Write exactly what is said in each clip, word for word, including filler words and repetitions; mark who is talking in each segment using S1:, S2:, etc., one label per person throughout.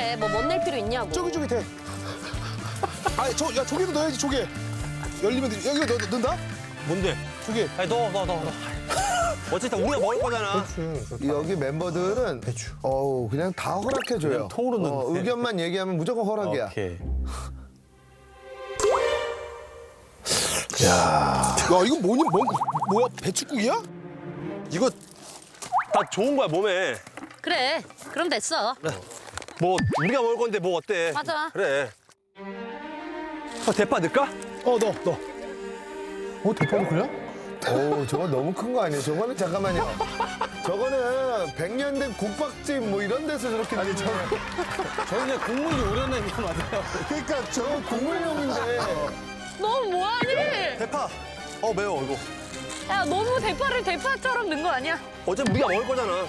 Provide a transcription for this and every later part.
S1: 그래, 뭐 못 낼 필요 있냐고.
S2: 저기 저기 돼. 아니 저 야 조개도 넣어야지 조개. 열리면 되지. 여기 넣, 넣는다?
S3: 뭔데?
S2: 조개.
S3: 아니 넣어 넣어 넣어. 넣어. 어쨌든 우리가 먹을 거잖아.
S4: 여기 멤버들은 배추. 어우 그냥 다 허락해줘요.
S3: 그냥 통으로
S4: 어,
S3: 넣는데.
S4: 의견만 얘기하면 무조건 허락이야.
S3: 오케이.
S2: 야 이거 뭐니? 뭐, 뭐야? 배추국이야?
S3: 이거 다 좋은 거야 몸에.
S1: 그래, 그럼 됐어.
S3: 뭐 우리가 먹을 건데 뭐 어때?
S1: 맞아.
S3: 그래. 어, 대파 넣을까?
S2: 어 넣어 넣어.
S4: 어 대파도 그래? 오 저거 너무 큰 거 아니에요? 저거는 잠깐만요. 저거는 백년 된 국밥집 뭐 이런 데서 저렇게 아니 저
S5: 저희는 국물이 우려낸 게 맞아요.
S4: 그러니까 저 국물용인데
S1: 너 뭐하니?
S3: 대파. 어 매워 이거.
S1: 야, 너무 대파를 대파처럼 넣은 거 아니야?
S3: 어차피 우리가 먹을 거잖아.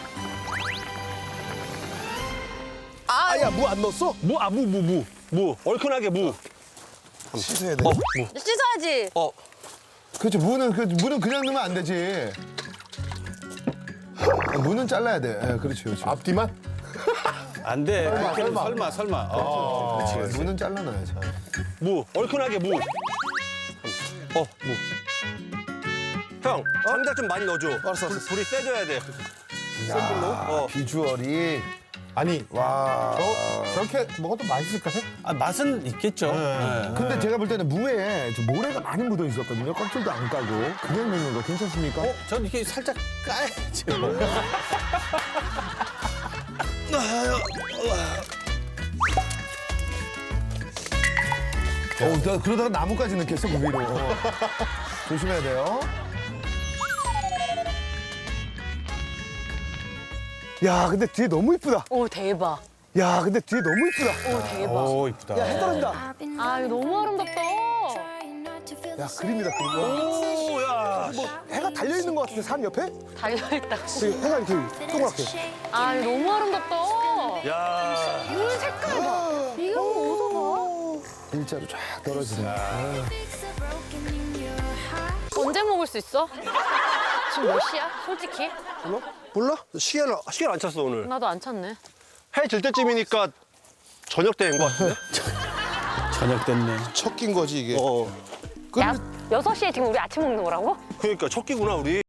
S2: 아야 무 안 넣었어?
S3: 무, 아, 무, 무, 무. 무. 얼큰하게 무.
S2: 씻어야 돼.
S3: 어, 무.
S1: 씻어야지.
S3: 어.
S4: 그렇죠. 무는 그 무는 그냥 넣으면 안 되지. 아, 무는 잘라야 돼. 예, 그렇지 그렇지.
S2: 앞뒤만?
S5: 안 돼. 설마, 설마. 설마, 설마. 어.
S4: 그렇지, 그렇지. 무는 잘라놔야지.
S3: 무. 얼큰하게 무. 어, 무. 형, 장작 좀 많이 넣어줘.
S2: 알았어,
S3: 불,
S2: 알았어.
S3: 불이 세져야 돼.
S4: 야,
S3: 어.
S4: 비주얼이
S2: 아니
S4: 와.
S2: 저렇게 먹어도 맛있을까?
S5: 아, 맛은 있겠죠. 네.
S4: 근데 제가 볼 때는 무에 저 모래가 많이 묻어 있었거든요. 껍질도 안 까고 그냥 넣는 거 괜찮습니까?
S5: 어, 전 이렇게 살짝 까야지. 뭐.
S4: 어, 나 그러다가 나무까지 넣겠어 그 위로. 어. 조심해야 돼요.
S2: 야 근데 뒤에 너무 이쁘다.
S1: 오, 대박.
S2: 야 근데 뒤에 너무 이쁘다.
S1: 오, 대박.
S5: 오, 이쁘다.
S2: 야 해 떨어진다.
S1: 아, 이거 너무 아름답다.
S2: 야 그림이다 그림. 와,
S3: 오, 야.
S2: 뭐 해가 달려 있는 것 같은데 산 옆에?
S1: 달려있다.
S2: 여기 해가 이렇게 동그랗게.
S1: 아, 이거 너무 아름답다.
S3: 야.
S1: 물 색깔 봐. 이거 뭐 어디서
S4: 일자로 쫙 떨어지네. 아.
S1: 봐? 언제 먹을 수 있어? 지금 몇 시야? 솔직히?
S3: 몰라? 몰라? 시계를, 시계를 안 찼어, 오늘.
S1: 나도 안 찼네.
S3: 해 질 때쯤이니까 저녁 때인 것 같은데?
S5: 저녁 됐네.
S2: 첫 끼인 거지 이게.
S3: 어.
S1: 야, 여섯 시에 지금 우리 아침 먹는 거라고?
S3: 그러니까 첫 끼구나, 우리.